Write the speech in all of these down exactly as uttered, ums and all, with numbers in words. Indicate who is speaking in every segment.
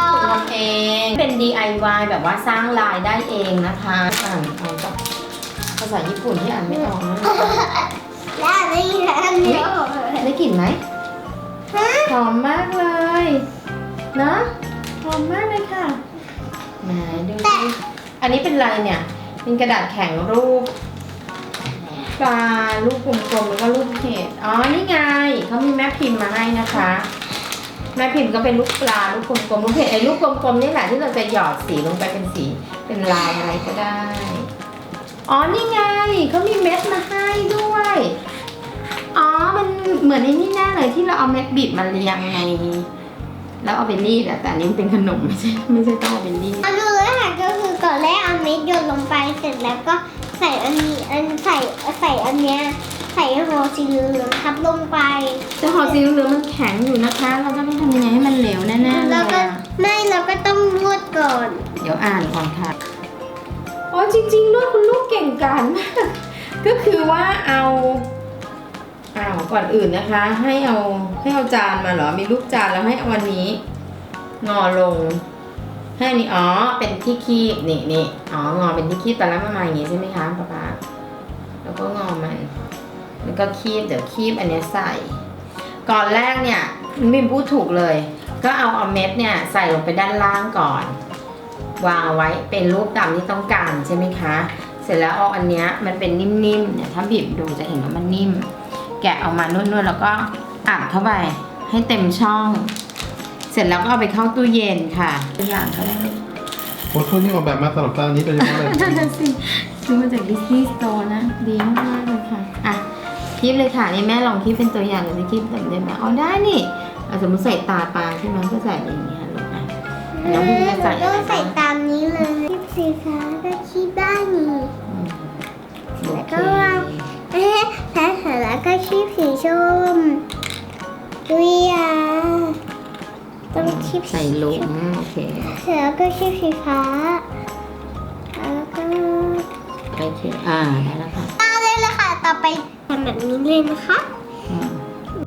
Speaker 1: ญี่ปุ่นทำเองเป็น ดี ไอ วาย แบบว่าสร้างลายได้เองนะคะอ่านเอาจากภาษาญี่ปุ่นที่อ่านไม่ออกนะ
Speaker 2: แล้วได้ยินอันเดียว
Speaker 1: ได้กลิ่นไหมหอมมากเลยเนอะหอมมากเลยค่ะไหนดูสิอันนี้เป็นอะไรเนี่ยเป็นกระดาษแข็งรูปปลารูปกลมๆแล้วก็รูปเห็ดอ๋อนี่ไงเขามีแม่พิมพ์มาให้นะคะแม่พิมพ์ก็เป็นลูกปลาลูกกลมๆลูกเห็ดไอ้ลูกกลมๆนี่แหละที่เราจะหยอดสีลงไปเป็นสีเป็นลายอะไรก็ได้อ๋อนี่ไงเขามีเม็ดมาให้ด้วยอ๋อมันเหมือนในนี่แน่เลยที่เราเอาเม็ดบีบมาเรียงไงแล้วเอาไปรีดอะแต่อันนี้มันเป็นขนมไม่ใช่ไม่ใช่ต้องเอาไปรีด
Speaker 2: อันนู้นค่ะก็คือก่อนแรกเอาเม็ดโยนลงไปเสร็จแล้วก็ใส่อันนี้อันใส่ใส่อันเนี้ยใส่ห่อสีเหลืองทับลงไป
Speaker 1: แต่ห่อสีเหลืองมันแข็งอยู่นะคะเราจะต้องทำยังไงให้มันเหลวแน่ๆเล
Speaker 2: แล้ว
Speaker 1: ย
Speaker 2: ก็
Speaker 1: อะ
Speaker 2: ไม่เราก็ต้องนวดก่อน
Speaker 1: เดี๋ยวอ่านก่อนค่ะอ๋อจริงๆด้วยคุณลูกเก่งกาจมาก ก็คือว่าเอาอ้าวก่อนอื่นนะคะ ให้เอาให้เอาจานมาเหรอมีลูกจานแล้วให้เอาวันนี้งอลงให้อันนี้อ๋อเป็นที่คีบนี่นี่อ๋องอเป็นที่คีบแต่แล้วมันมาอย่างงี้ใช่ไหมคะป๊าป๊าแล้วก็งอมันแล้วก็คีบเดี๋ยวคีบอันนี้ใส่ ก่อนแรกเนี่ยมิมพูดถูกเลย ก็เอาเอาเม็ดเนี่ยใส่ลงไปด้านล่างก่อน วางเอาไว้เป็นรูปตามที่ต้องการใช่ไหมคะ เสร็จแล้วเอาอันเนี้ยมันเป็นนิ่มๆเนี่ยถ้าบีบดูจะเห็นว่ามันนิ่ม แกะออกมานวดๆแล้วก็อัดเข้าไปให้เต็มช่อง เสร็จแล้วก็เอาไปเข้าตู้เย็นค่ะตัวอย่างก็ได้
Speaker 3: โอ้ชุดนี้ออกแบบมาสำหรับจานนี้โดยเฉพาะเลย
Speaker 1: นั่นสิซื้อมาจากดิสนีย์สโตร์นะดีมากๆเลยค่ะอ่ะคีบเลยค่ะนี่แม่ลองคีบเป็นตัวอย่างเลยคีบแบบได้ไหมอ๋อได้นี่เอาสมมติใส่ตาปลาใช่ไหมก็ใส่อย่างเงี้ยลูกนะน้องพี่จะใส่
Speaker 2: ต้องใส่ตามนี้เลยคีบสีฟ้าก็คีบได้นี่
Speaker 1: โอเค
Speaker 2: เอ๊ะแพ้เสร็จแล้วก็คีบสีส้มดุยอ่ะต้องคีบ
Speaker 1: ใส่หลุมโอเค
Speaker 2: เสร็จแล้วก็คีบสีฟ้าแล้วก็
Speaker 1: โอเคอ่าได้แล้วค่ะ
Speaker 2: ตาเลยละค่ะต่อไปทำแบบนี้เลยนะคะ
Speaker 1: อืม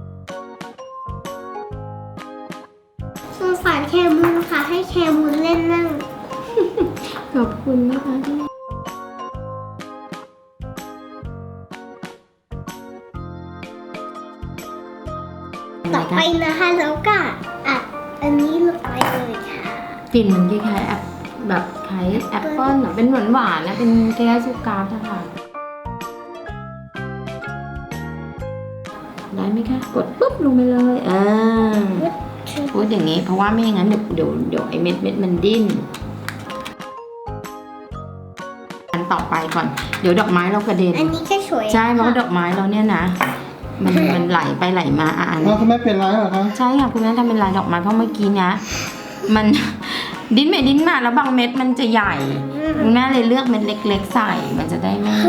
Speaker 2: สงสารแคมูนค่ะให้แคมูนเล่นนั่ง
Speaker 1: ขอบคุณนะคะที่
Speaker 2: ต่อไปนะคะแล้วก็อัดอันนี้ลงไปเลยค่ะ
Speaker 1: กลิ่นมันคล้ายๆแอปแบบคล้ายแอปเปิ้ลอะเป็นหวานหวานๆนะเป็นคล้ายๆซูการ์ดอะค่ะได้ไหมคะกดปุ๊บลงไปเลยอ่าพูดอย่างนี้เพราะว่าไม่อย่างนั้นเดี๋ยวเดี๋ยวเดี๋ยวไอเม็ดเม็ดมันดิ้นอันต่อไปก่อนเดี๋ยวดอกไม้เรากระเด็น
Speaker 2: อันนี้ก็สวย
Speaker 1: ใช่เพราะว่าดอกไม้เราเนี่ยนะ มันมันไหลไปไหลมาอ่าน
Speaker 3: อ้าวคุณแม่เป็นไรเหรอคะ
Speaker 1: ใช่ค่ะคุณแม่ทำเป็นลายดอกไม้เพราะเมื่อกี้นะมัน ดิ้นไปดิ้นมาแล้วบางเม็ดมันจะใหญ่คุณแม่เลยเลือกเม็ดเล็กๆใส่มันจะได้ไม่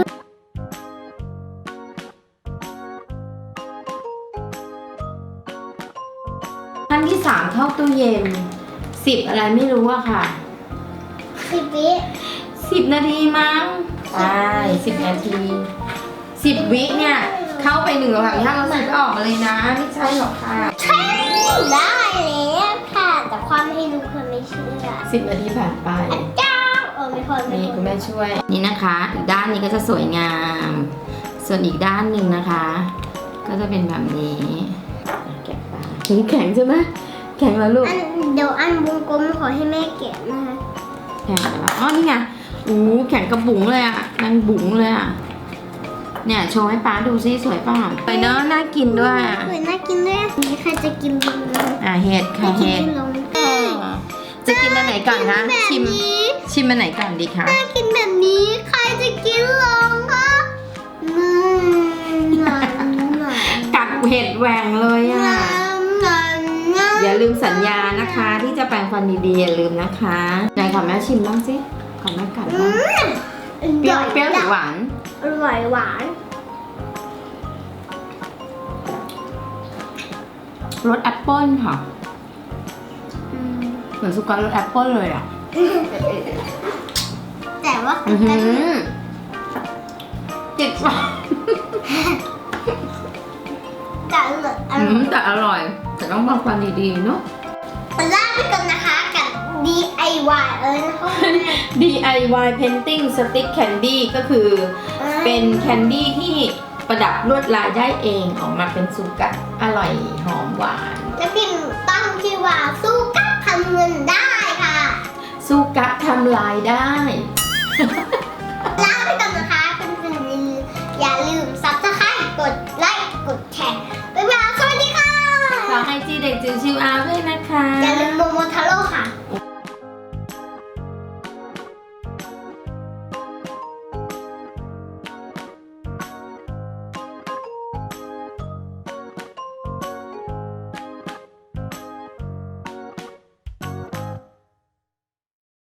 Speaker 1: ขั้นที่สามเข้าตู้เย็นสิบอะไรไม่รู้อะค่ะ
Speaker 2: สิบวิ
Speaker 1: สิบนาทีมั้งใช่สิบนาทีสิบวิเนี่ยเข้าไปหนึ่งหลังย่างแล้วสิบก็ออกมาเลยนะไม่ใช่หรอกค่ะ
Speaker 2: ใช่ได้แล้วค่ะแต่ความให้รู้คนไม่เชื่อ
Speaker 1: สิบนาทีผ่านไป
Speaker 2: จ้าเออไม่พอไม่
Speaker 1: นี่
Speaker 2: พ
Speaker 1: คุ
Speaker 2: อ
Speaker 1: ณแม่ช่วย นี่นะคะ อีกด้านนี้ก็จะสวยงาม ส่วนอีกด้านหนึ่งนะคะ ก็จะเป็นแบบนี้แกะปลาแข็งใช่ไหมแข็งแล้วลูก
Speaker 2: อันเดี๋ยวอันวงกลมขอให้แม่แกะนะคะ
Speaker 1: แข็งแล้วอ๋อนี่ไงอู้แข็งกระบุ๋งเลยอ่ะนางบุ๋งเลยอ่ะเนี่ยโชว์ให้ป้าดูซิสวยป่ะสวยเนอะน่ากินด้วยอ่ะ
Speaker 2: สวยน่ากินด้วยนี่ใครจะกินดีนะ
Speaker 1: อ่ะเห็ดค่ะ
Speaker 2: ไม่กิ
Speaker 1: เห็ด
Speaker 2: นลง
Speaker 1: จะกินอันไหนก่อนคะชิม
Speaker 2: แบบนี้
Speaker 1: ชิมอันไหนก่อนดีคะ
Speaker 2: น่ากินแบบนี้ใครจะกินลงคะอืมหนังหนัง
Speaker 1: กัดเห็ดแหว่งเลยอ่ะ อย่าลืมสัญญานะคะ ที่จะแปรงฟันดีๆอย่าลืมนะคะไหนขอแม่ชิมบ้างสิขอแม่กัดบ้างเปรี้ยวเปรี้ยวหรือหวาน
Speaker 2: อร่อยหวาน
Speaker 1: รสแอปเปิ้ลค่ะเหมือนสุการรสแอปเปิ้ลเลยอ่ะ
Speaker 2: แต่ว่า
Speaker 1: อือหือจิตว่ะ
Speaker 2: แต่อร่อยอ
Speaker 1: อื
Speaker 2: ร่อ
Speaker 1: ม
Speaker 2: ย
Speaker 1: แต่อร่อย แต่ต้องแปรงฟันดีๆเนาะ
Speaker 2: ลาไปก่อนนะคะกับวาย เออนะคะ
Speaker 1: ดี ไอ วาย Painting Stick Candy ก็คือเป็นแคนดี้ที่ประดับลวดลายได้เองออกมาเป็นซูกัสอร่อยหอมหวาน
Speaker 2: และพิมพ์ตั้งชื่อว่าสู้กับทำเงินได้ค่ะ
Speaker 1: ซูกัสทำลายได้
Speaker 2: ลาไปก่อนนะคะคุณคุณอย่าลืมซับสไครต์กดไลค์กดแชร์บ๊ายบายสวัสดีค่ะ
Speaker 1: ขอให้จีเด็กจิ๋วชิวอาด้วยนะคะ
Speaker 2: อย่าลืมโมโมทาโร่